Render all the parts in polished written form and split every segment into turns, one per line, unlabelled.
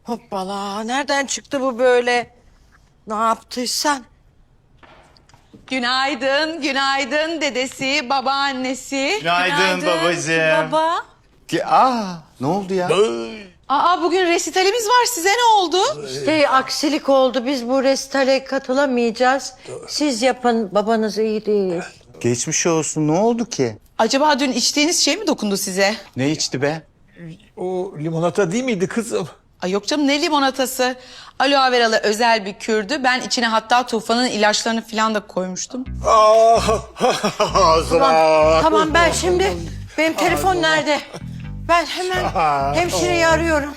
Hoppala, nereden çıktı bu böyle? Ne yaptıysan?
Günaydın, günaydın dedesi, babaannesi.
Günaydın babacığım.
Baba.
Ne oldu ya?
Aa bugün resitalimiz var. Size ne oldu?
Aksilik oldu. Biz bu restore katılamayacağız. Siz yapın, babanız iyi değil.
Geçmiş olsun. Ne oldu ki?
Acaba dün içtiğiniz şey mi dokundu size?
Ne içti be?
O limonata değil miydi kızım?
Ay yok canım ne limonatası. Aloe veralı özel bir kürdü. Ben içine hatta Tufan'ın ilaçlarını falan da koymuştum.
Tamam ben şimdi... Benim telefon nerede? Ben hemen hemşireyi arıyorum.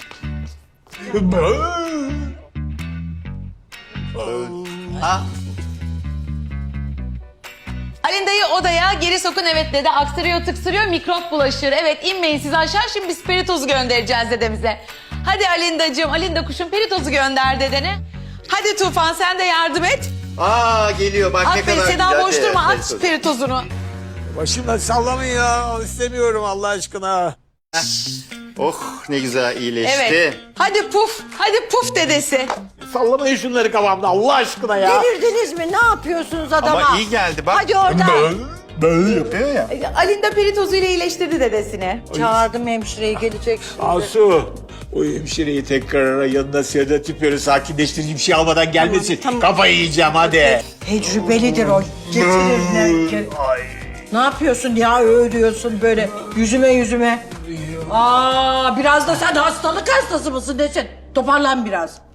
Alinda'yı odaya geri sokun evet dede. Aksırıyor tıksırıyor mikrop bulaşır. Evet inmeyin siz aşağı şimdi biz peritozu göndereceğiz dedemize. Hadi Alinda'cığım Alinda kuşum peritozu gönder dedene. Hadi Tufan sen de yardım et.
Geliyor bak ne
Aferin
kadar
Seda
güzel.
boş durma at peritozunu.
Başımdan sallamayın ya. İstemiyorum Allah aşkına.
Oh ne güzel iyileşti.
Evet. Hadi puf dedesi.
Sallamayın şunları kafamda Allah aşkına ya.
Delirdiniz mi? Ne yapıyorsunuz adama?
Ama iyi geldi bak.
Hadi oradan.
Böyle yapıyor.
Yapıyor ya.
Alinda peritozu ile iyileştirdi dedesini.
Çağırdım hemşireyi, gelecek şimdi.
Asu. O hemşireyi tekrar ara yanına sedatif böyle sakinleştirici bir şey almadan gelmesin.
Tamam.
Kafayı yiyeceğim hadi.
Tecrübelidir o. Getirir. Ne yapıyorsun ya öğürüyorsun böyle yüzüme. Biraz da sen hastalık hastası mısın desin. Toparlan biraz.